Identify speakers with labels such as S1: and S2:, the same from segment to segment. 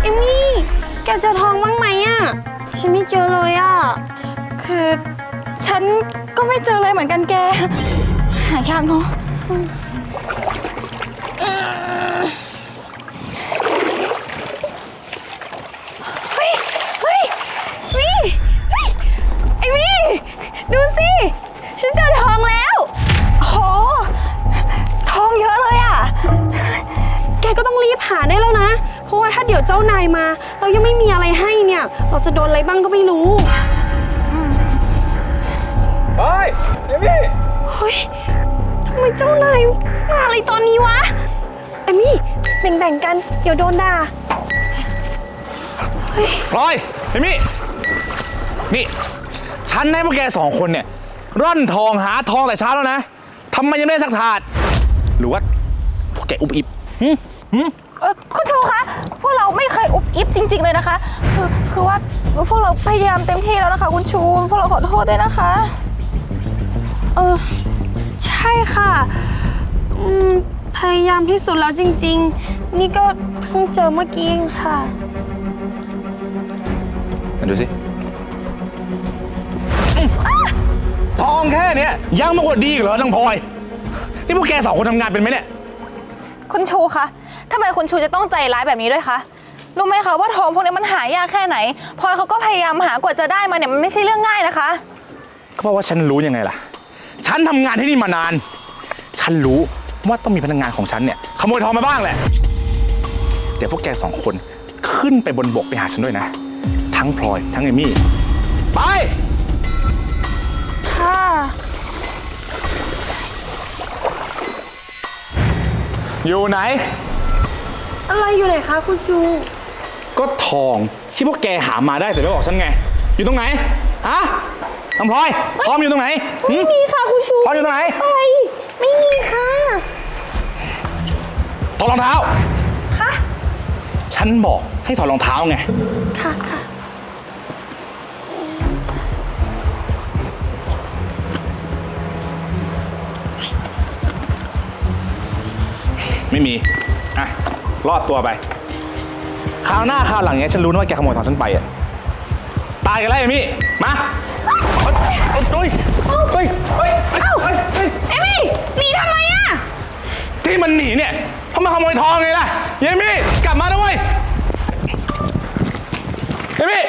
S1: อมี่แกเจอทองบ้างไหมอะฉันไม่เจอเลยอะ
S2: คือฉันก็ไม่เจอเลยเหมือนกันแกหายากเนาะเฮ้ยนี่ไอ้มี่ดูสิฉันเจอทองแล้วโหทองเยอะเลยอ่ะ
S1: แกก็ต้องรีบหาได้แล้วนะเพราะว่าถ้าเดี๋ยวเจ้านายมาเรายังไม่มีอะไรให้เนี่ยเราจะโดนอะไรบ้างก็ไม่รู้
S3: เฮ้ยเอมี่
S1: เฮ้ยทำไมเจ้านายมาอะไรตอนนี้วะเอมี่แบ่งกันเดี๋ยวโดนด่า
S3: พลอยเอมี่นี่ฉันให้พวกแก2 คนเนี่ยร่อนทองหาทองแต่เช้าแล้วนะทำไมยังไม่ได้สักถาดหรือว่าพวกแกอุบอิบ
S2: คุณชูคะพวกเราไม่เคยอุบอิบจริงๆเลยนะคะคือว่าพวกเราพยายามเต็มที่แล้วนะคะคุณชูพวกเราขอโทษด้วยนะคะ
S1: ใช่ค่ะพยายามที่สุดแล้วจริงๆนี่ก็เพิ่งเจอเมื่อกี้เองค่ะ
S3: มาดูสิทองแค่นี้ยังมากกว่าดีอีกเหรอนางพลอยนี่พวกแก2 คนทำงานเป็นไหมเนี่ย
S2: คุณชูคะทำไมคุณชูจะต้องใจร้ายแบบนี้ด้วยคะรู้ไหมคะว่าทองพวกนี้มันหายากแค่ไหนพลอยเขาก็พยายามหากว่าจะได้มาเนี่ยมันไม่ใช่เรื่องง่ายนะคะ
S3: ก็เพราะว่าฉันรู้ยังไงล่ะฉันทำงานที่นี่มานานฉันรู้ว่าต้องมีพนักงานของฉันเนี่ยขโมยทองมาบ้างแหละเดี๋ยวพวกแก2 คนขึ้นไปบนบกไปหาฉันด้วยนะทั้งพลอยทั้งเอมี่ไป
S2: ค่ะ
S3: อยู่ไหน
S1: อะไรอยู่ไหนคะคุณชู
S3: ก็ทองที่พวกแกหามาได้แต่ไม่บอกฉันไงอยู่ตรงไหนอะน้องพลอยทองอยู่ตรงไหน
S1: ไม่มีค่ะคุณชู
S3: ทองอยู่ตรงไหน
S1: ไม่มีค่ะ
S3: ถอดรองเท้า
S2: ค่ะ
S3: ฉันบอกให้ถอดรองเท้าไง
S1: ค่ะ
S3: ไม่มีอ่ะรอดตัวไปคราวหน้าคราวหลังเนี้ยฉันรู้นะว่าแกขโมยทองฉันไปอ่ะตายกันแล้วเอมี่มาเฮ้ย
S2: เอมี่หนีทำไมอ่ะ
S3: ที่มันหนีเนี่ยเพราะมันขโมยทองไงล่ะเอมี่กลับมาด้วยเว้ยเอมี่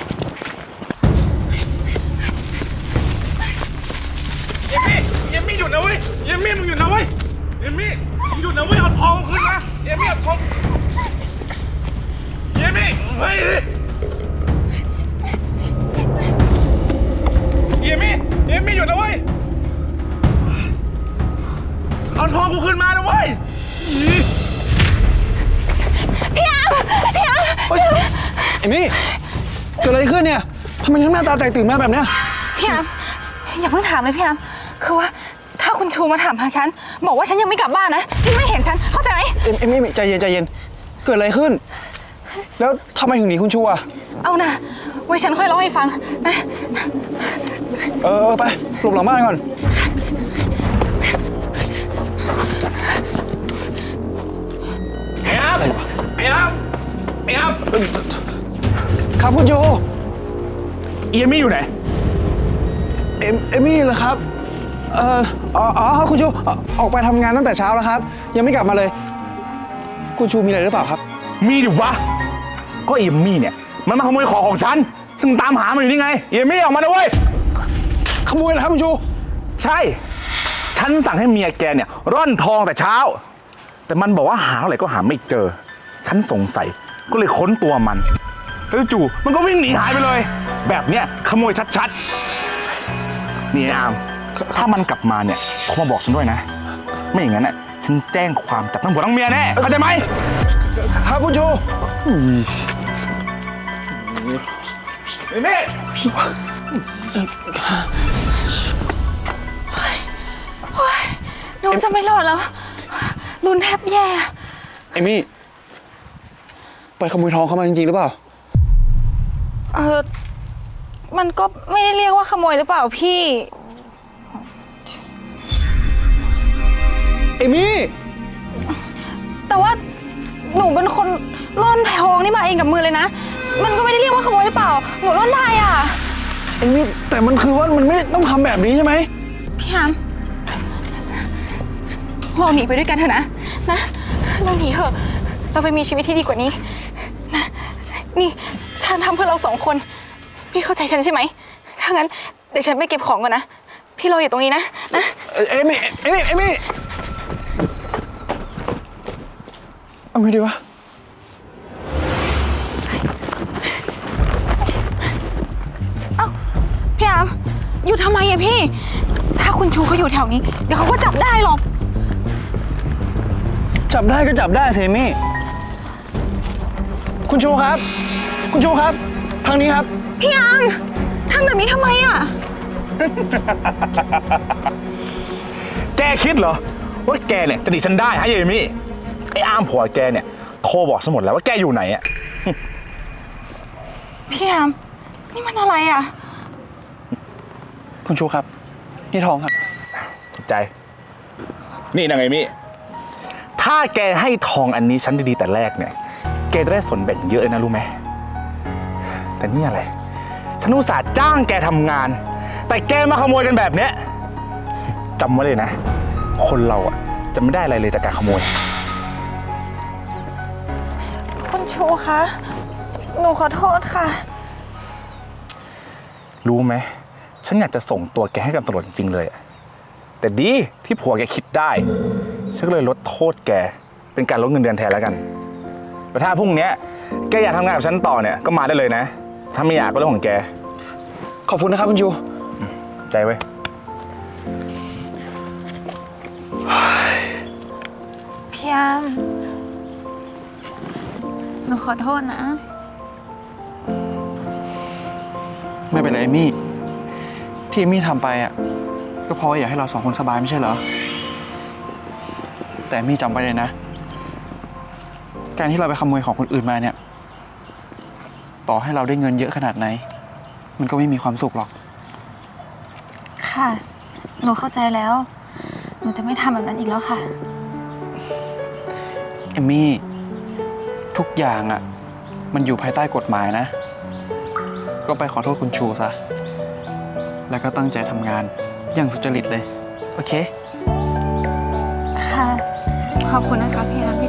S3: เอมี่หยุดนะเว้ยเอมี่มึงหยุดนะเว้ยเอมี่หยุดนะเว้ยเอาทองขึ้นมาเอมี่เอาทองเอมี่เฮ้ยเอมี่หยุดนะเว้ยเอาทองกูขึ้นมานะเว้ย
S2: พี่อาร์ม
S4: เอมี่เกิดอะไรขึ้นเนี่ยทำไมทั้งหน้าตาแตกตื่นมาแบบเนี้ย
S2: พี่อาร์มอย่าเพิ่งถามเลยพี่อาร์มคือว่าถ้าคุณชูมาถามหาฉันบอกว่าฉันยังไม่กลับบ้านนะพี่ไม่เห็นฉันเข้าใจไหม
S4: เอมี่ใจเย็นเกิดอะไรขึ้นแล้วทำไมถึงหนีคุณชูอ่ะ
S2: เอานะไว้ฉันค่อยเล่าให้ฟังนะ
S4: ไปหลบหลังบ้านก่อน
S3: ไอ้อัพ
S4: ครับคุณชู
S3: เอมี่อยู่ไหน
S4: เอมี่เหรอครับคุณชูออกไปทำงานตั้งแต่เช้าแล้วครับยังไม่กลับมาเลยคุณชูมีอะไรหรือเปล่าครับ
S3: มีดิวะก็เอมี่เนี่ยมันมาขโมยของฉันซึ่งตามหามันอยู่นี่ไงเอมี่ออกมานะเว้ย
S4: ขโมยเหรอครับคุณชู
S3: ใช่ฉันสั่งให้เมียแกเนี่ยร่อนทองแต่เช้าแต่มันบอกว่าหาอะไรก็หาไม่เจอฉันสงสัยก็เลยค้นตัวมันแล้วจู่มันก็วิ่งหนีหายไปเลยแบบเนี้ยขโมยชัดๆนี่อามถ้ามันกลับมาเนี่ยเขามาบอกฉันด้วยนะไม่อย่างนั้นน่ะฉันแจ้งความจับทั้งผัวทั้งเมียแน่เข้าใจไหม
S4: ครับคุณชู
S3: เอมี่
S2: หนูจะไม่รอดแล้วรุนแทบแย่
S4: เอมี่ไปขโมยทองเข้ามาจริงๆหรือเปล่า
S2: มันก็ไม่ได้เรียกว่าขโมยหรือเปล่าพี่
S4: เอมี่
S2: แต่ว่าหหนูเป็นคนร่อนทองนี่มาเองกับมือเลยนะ มันก็ไม่ได้เรียกว่าขโมยหรือเปล่า หนูร่อนได้อ่ะ
S4: เอมี่แต่มันคือว่ามันไม่ต้องทำแบบนี้ใช่ไหม
S2: พี่อามเราหนีไปด้วยกันเถอะนะเราหนีเถอะ เราไปมีชีวิตที่ดีกว่านี้นะนี่ฉันทำเพื่อเราสองคน พี่เข้าใจฉันใช่ไหม ถ้างั้นเดี๋ยวฉันไปเก็บของก่อนนะ พี่รออยู่ตรงนี้นะ
S4: เอมี่เอาไงดีวะ
S2: พี่อามอยู่ทำไมอะพี่ ถ้าคุณชูเขาอยู่แถวนี้ เดี๋ยวเขาก็จับได้หรอก
S4: จับได้ก็จับได้สิเอมี่คุณชูครับ คุณชูครับ ทางนี้ครับ
S2: พี่อามทำแบบนี้ทำไมอะ
S3: แกคิดเหรอว่าแกเนี่ยจะดีฉันได้ฮะเยมี่ไอ้อามผัวแกเนี่ยโทรบอกฉันหมดแล้วว่าแกอยู่ไหนอะ
S2: พี่อามนี่มันอะไรอะ
S4: คุณชูครับ นี่ทองครับ
S3: ขอบใจ นี่นางเอมี่ถ้าแกให้ทองอันนี้ฉันดีๆแต่แรกเนี่ย แกจะได้ส่วนแบ่งเยอะเลยนะรู้ไหม แต่นี่อะไร ฉันอุตส่าห์จ้างแกทำงาน แต่แกมาขโมยกันแบบเนี้ยจำไว้เลยนะ คนเราอ่ะจะไม่ได้อะไรเลยจากการขโมย
S2: คุณชูคะหนูขอโทษค่ะ
S3: รู้ไหม ฉันอยากจะส่งตัวแกให้กับตำรวจจริงๆเลยอะแต่ดีที่ผัวแกคิดได้ ฉันก็เลยลดโทษแก เป็นการลดเงินเดือนแทนแล้วกัน แต่ถ้าพรุ่งนี้แกอยากทำงานกับฉันต่อเนี่ยก็มาได้เลยนะ ถ้าไม่อยากก็เรื่องของแก
S4: ขอบคุณนะครับคุณชู
S3: ใจไว้
S2: พี่อามหนูขอโทษนะ
S4: ไม่เป็นไรเอมี่ที่เอมี่ทำไปอ่ะก็เพราะว่าอยากให้เราสองคนสบายไม่ใช่เหรอ แต่เอมี่จำไว้เลยนะ การที่เราไปขโมยของคนอื่นมาเนี่ย ต่อให้เราได้เงินเยอะขนาดไหน มันก็ไม่มีความสุขหรอก
S2: ค่ะ หนูเข้าใจแล้ว หนูจะไม่ทำแบบนั้นอีกแล้วค่ะ
S4: เอมี่ทุกอย่างอ่ะมันอยู่ภายใต้กฎหมายนะ ก็ไปขอโทษคุณชูซะ แล้วก็ตั้งใจทำงานอย่างสุจริตเลย โอเค
S2: ค่ะ ขอบคุณนะคะพี่อามที่